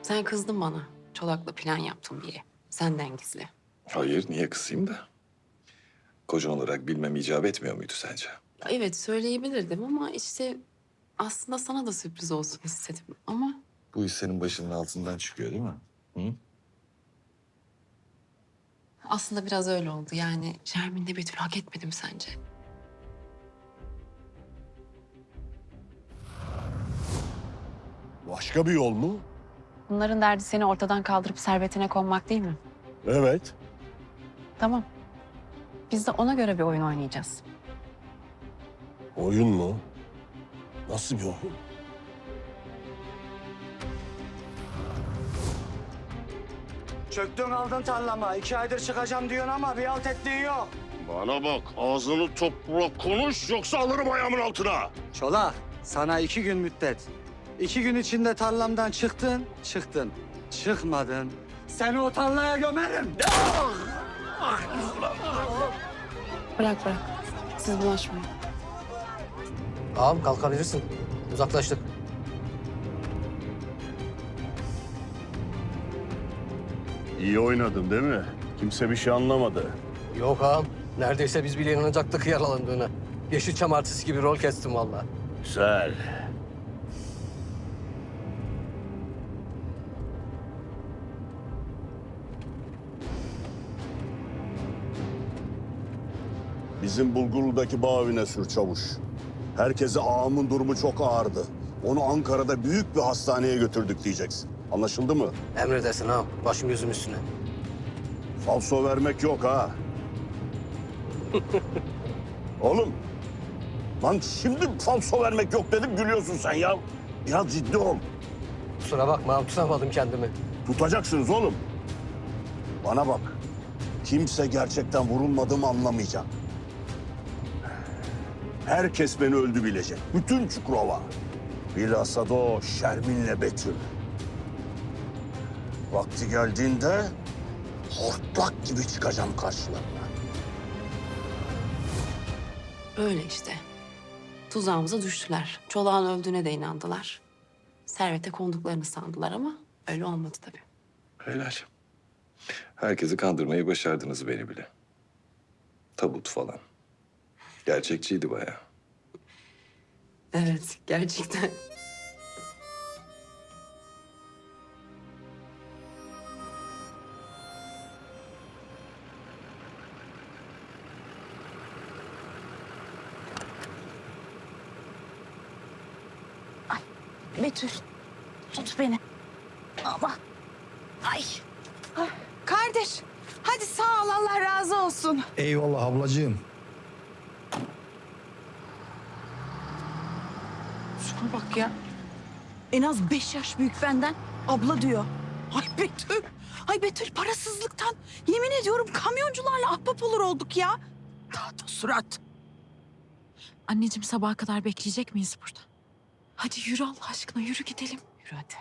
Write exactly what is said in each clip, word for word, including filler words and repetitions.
Sen kızdın bana. Çolak'la plan yaptım diye. Senden gizli. Hayır, niye kısayım da? Kocan olarak bilmem icap etmiyor muydu sence? Evet söyleyebilirdim ama işte aslında sana da sürpriz olsun istedim. Ama Bu iş senin başının altından çıkıyor değil mi? Hı? aslında biraz öyle oldu. Yani Şermin'le Betül hak etmedim sence? Başka bir yol mu? Bunların derdi seni ortadan kaldırıp servetine konmak değil mi? Evet. Tamam. Biz de ona göre bir oyun oynayacağız. Oyun mu? Nasıl bir oyun? Çöktün aldın tarlama. İki aydır çıkacağım diyorsun ama bir alt ettiğin yok. Bana bak, ağzını topla konuş yoksa alırım ayağımın altına. Çolak, sana iki gün müddet. İki gün içinde tarlamdan çıktın, çıktın. Çıkmadın. Seni o tarlaya gömerim. Bırak bırak. Siz bulaşmayın. Ağam kalkabilirsin. Uzaklaştık. İyi oynadın değil mi? Kimse bir şey anlamadı. Yok ağam. Neredeyse biz bile inanacaktık yaralandığına. Yeşilçam artisti gibi rol kestim vallahi. Güzel. Bizim Bulgurlu'daki bağ evine sür çavuş. Herkese ağamın durumu çok ağırdı. Onu Ankara'da büyük bir hastaneye götürdük diyeceksin. Anlaşıldı mı? Emredersin ağam. Başım gözüm üstüne. Falso vermek yok ha. Oğlum. Lan şimdi falso vermek yok dedim gülüyorsun sen ya. Biraz ciddi ol. Kusura bakma ağam, tutamadım kendimi. Tutacaksınız oğlum. Bana bak. Kimse gerçekten vurulmadığımı anlamayacak. Herkes beni öldü bilecek. Bütün Çukurova. Bilhassa da o Şermin'le Betül. Vakti geldiğinde hortlak gibi çıkacağım karşılarına. Öyle işte. Tuzağımıza düştüler. Çolak'ın öldüğüne de inandılar. Servete konduklarını sandılar ama öyle olmadı tabii. Helal. Herkesi kandırmayı başardınız beni bile. Tabut falan. Gerçekçiydi bayağı. Evet, gerçekten. Betül, tut beni. Ama, ay. Kardeş, hadi sağ ol, Allah razı olsun. Eyvallah ablacığım. Şuna bak ya. En az beş yaş büyük benden. Abla diyor. Ay Betül, ay Betül parasızlıktan yemin ediyorum kamyoncularla ahbap olur olduk ya. Tahta surat. Anneciğim sabaha kadar bekleyecek miyiz burada? Hadi yürü Allah aşkına, yürü gidelim. Yürü hadi.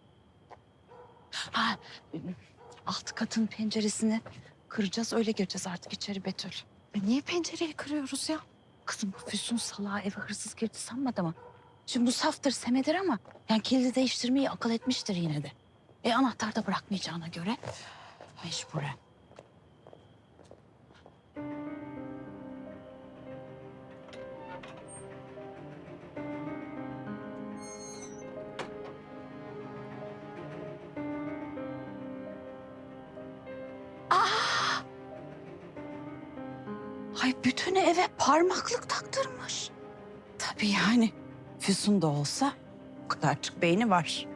Ha, alt katın penceresini kıracağız, öyle gireceğiz artık içeri Betül. E niye pencereyi kırıyoruz ya? Kızım bu Füsun salağı eve hırsız girdi sanmadı mı? Şimdi bu saftır, semedir ama yani kilidi değiştirmeyi akıl etmiştir yine de. E anahtar da bırakmayacağına göre mecburen. Aa! Ay bütün eve parmaklık taktırmış. Tabii yani Füsun da olsa o kadarcık beyni var.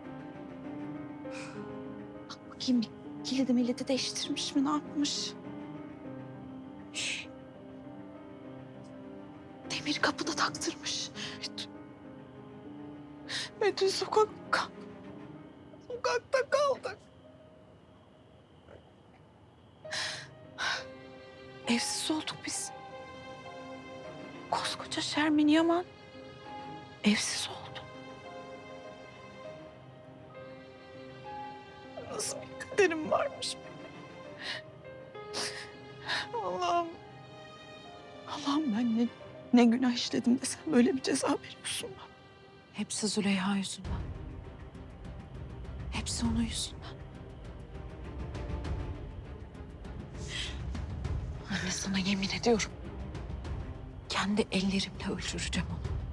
Bakayım bir kilidi milleti değiştirmiş mi, ne yapmış? Demir kapı da taktırmış. Betül, Betül sokakta, sokakta kaldık. Evsiz olduk biz. Koskoca Şermin Yaman evsiz oldu. Nasıl bir kaderim varmış benim. Allah'ım. Allah'ım ben ne, ne günah işledim de sen böyle bir ceza veriyorsun bana. Hepsi Züleyha yüzünden. Hepsi. Hepsi onun yüzünden. Anne sana yemin ediyorum. Kendi ellerimle öldüreceğim onu.